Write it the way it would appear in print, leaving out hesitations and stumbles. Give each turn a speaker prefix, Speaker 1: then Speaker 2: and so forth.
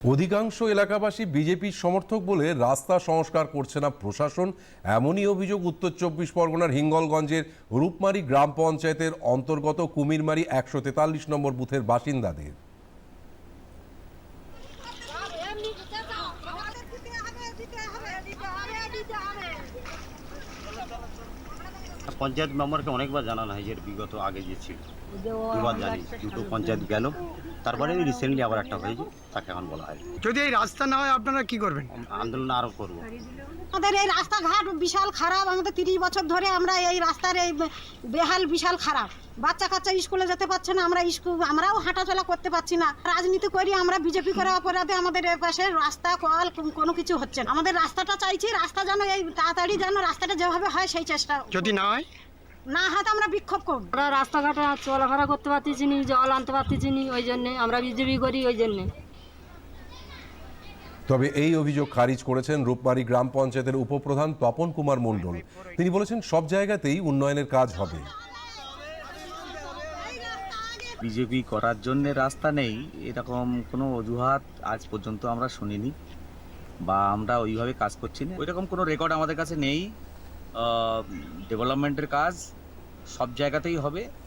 Speaker 1: অধিকাংশ এলাকাবাসী বিজেপির সমর্থক বলে রাস্তা সংস্কার করছে না প্রশাসন, এমনই অভিযোগ উত্তর ২৪ পরগনার হিঙ্গলগঞ্জের রূপমারি গ্রাম পঞ্চায়েতের অন্তর্গত কুমিরমারি ১৪৩ নম্বর বুথের বাসিন্দাদের।
Speaker 2: পঞ্চায়েত মেম্বারকে অনেকবার জানানো হয় যে বিগত আগে যে ছিল, দুবার জানি, দুটো পঞ্চায়েত গেল, তারপরে রিসেন্টলি আবার একটা হয়েছে, তাকে এখন বলা হয়।
Speaker 3: যদি এই রাস্তা না হয় আপনারা কি করবেন?
Speaker 2: আন্দোলন আরো করবো।
Speaker 4: আমাদের এই রাস্তাঘাট বিশাল খারাপ, আমাদের 30 বছর ধরে আমরা এই রাস্তার এই বেহাল বিশাল খারাপ। বাচ্চা কাচ্চা স্কুলে যেতে পারছে না, আমরাও হাঁটাচলা করতে পারছি না। রাজনীতি করি আমরা, বিজেপি করে অপরাধে আমাদের এর পাশে রাস্তা কল কোনো কিছু হচ্ছে না। আমাদের রাস্তাটা চাইছি, রাস্তা যেন এই তাড়াতাড়ি যেন রাস্তাটা যেভাবে হয় সেই চেষ্টা।
Speaker 3: যদি না হয়
Speaker 4: তো আমরা বিক্ষোভ করব।
Speaker 5: আমরা রাস্তাঘাটে চলাফেরা করতে পারতেছি নি, জল আনতে পারতেছি নি, ওই জন্যে আমরা বিজেপি করি ওই জন্যে।
Speaker 1: তবে এই অভিযোগ খারিজ করেছেন রূপমারি গ্রাম পঞ্চায়েতের উপপ্রধান তপন কুমার মণ্ডল। তিনি বলেছেন সব জায়গাতেই উন্নয়নের কাজ হবে।
Speaker 2: বিজেপি করার জন্য রাস্তা নেই এরকম কোনো অজুহাত আজ পর্যন্ত আমরা শুনিনি, বা আমরা ওইভাবে কাজ করছি না, ওইরকম কোনো রেকর্ড আমাদের কাছে নেই। ডেভেলপমেন্টের কাজ সব জায়গাতেই হবে।